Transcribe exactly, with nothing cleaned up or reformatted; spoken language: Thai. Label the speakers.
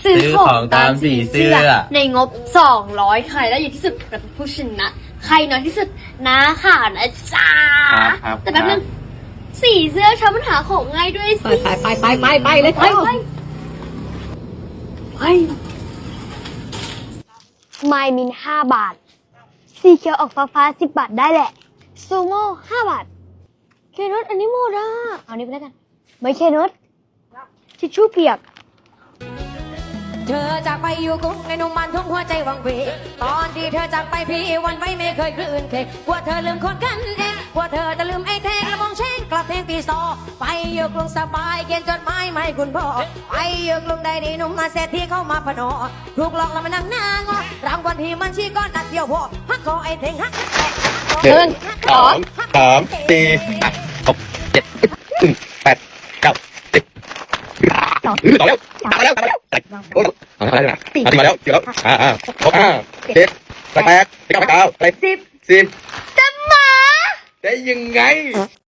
Speaker 1: ซื้อของตามสีเสื้อ
Speaker 2: ในงบสองร้อยใครได้เยอะที่สุดเป็นผู้ชนะใครน้อยที่สุดนะค่ะนะจ๊ะแต่แป๊บนึงสีเสื้อชอบปัญหาของง่ายด้วยสิ
Speaker 3: ไปไปไปไปไปเลยไปไปไป
Speaker 2: ไมมินห้าบาทสีเขียวออกฟ้าฟ้าสิบบาทได้แหละซูโม่ห้าบาทเคนุสอันนี้หมดอ่ะเอานี้ไปแล้วกันไม่เคนุสทิชชู่เปียก
Speaker 3: เธอจากไปอยู่กุ้งในนุ่มมันทุ่งหัวใจวังเวตอนที่เธอจากไปพี่วันไว้ไม่เคยคลื่นเคกลัวเธอลืมคนกันเองกลัวเธอจะลืมไอ้แทงและมองเช่งกลับเพลงตีซอไปอยู่กรุงสบายเขียนจดหมายมาให้คุณพ่อไปอยู่กรุงใดดีหนุ่มมาเศรษฐีเข้ามาพนอถูกหลอกแล้วมานั่งหน้างอรางวัลที่มันชี้ก้อนนัดเดียวพอฮักคอไอ้เทงฮัก
Speaker 1: หนึ่งสองสามสี่ห้าหกเจ็ดแปดเก้าสิบต่อแล้วต่อแล้วต่อแล้วโอ้ยเอาแล้วนะเอาที่มาแล้วที่แล้วอ่าอ่าหกห้าเจ็ดแปดแปดเก้าแปดเก้าสิบสิบจะมาได้ยังไง